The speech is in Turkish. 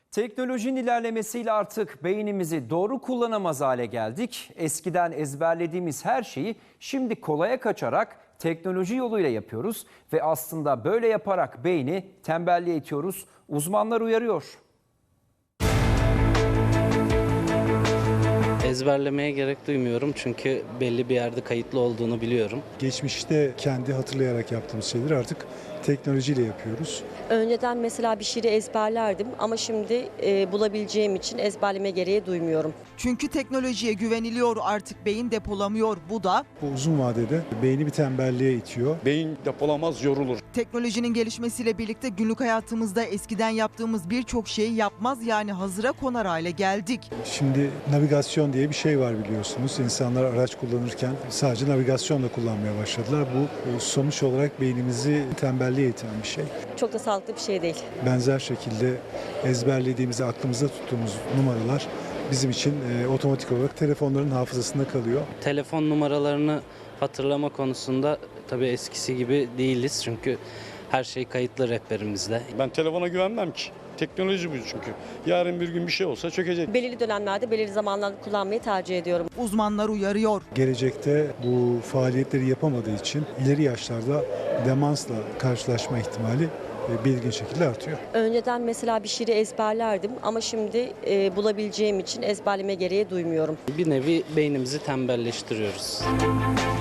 Teknolojinin ilerlemesiyle artık beynimizi doğru kullanamaz hale geldik. Eskiden ezberlediğimiz her şeyi şimdi kolaya kaçarak teknoloji yoluyla yapıyoruz ve aslında böyle yaparak beyni tembelliğe itiyoruz. Uzmanlar uyarıyor. Ezberlemeye gerek duymuyorum çünkü belli bir yerde kayıtlı olduğunu biliyorum. Geçmişte kendi hatırlayarak yaptığımız şeyleri artık teknolojiyle yapıyoruz. Önceden mesela bir şiiri ezberlerdim ama şimdi bulabileceğim için ezberleme gereği duymuyorum. Çünkü teknolojiye güveniliyor, artık beyin depolamıyor. Bu da Bu uzun vadede beyni bir tembelliğe itiyor. Beyin depolamaz, yorulur. teknolojinin gelişmesiyle birlikte günlük hayatımızda eskiden yaptığımız birçok şeyi yapmaz, yani hazıra konar hale geldik. Şimdi navigasyon diye bir şey var biliyorsunuz. İnsanlar araç kullanırken sadece navigasyonla kullanmaya başladılar. Bu sonuç olarak beynimizi tembelliğe iten bir şey. Çok da sağlıklı bir şey değil. Benzer şekilde ezberlediğimiz, aklımızda tuttuğumuz numaralar bizim için otomatik olarak telefonların hafızasında kalıyor. Telefon numaralarını hatırlama konusunda tabii eskisi gibi değiliz çünkü her şey kayıtlı rehberimizde. Ben telefona güvenmem ki. Teknoloji bu çünkü. Yarın bir gün bir şey olsa çökecek. Belirli dönemlerde, belirli zamanlarda kullanmayı tercih ediyorum. Uzmanlar uyarıyor. Gelecekte bu faaliyetleri yapamadığı için ileri yaşlarda demansla karşılaşma ihtimali belirgin şekilde artıyor. Önceden mesela bir şiiri ezberlerdim ama şimdi bulabileceğim için ezberleme gereği duymuyorum. Bir nevi beynimizi tembelleştiriyoruz.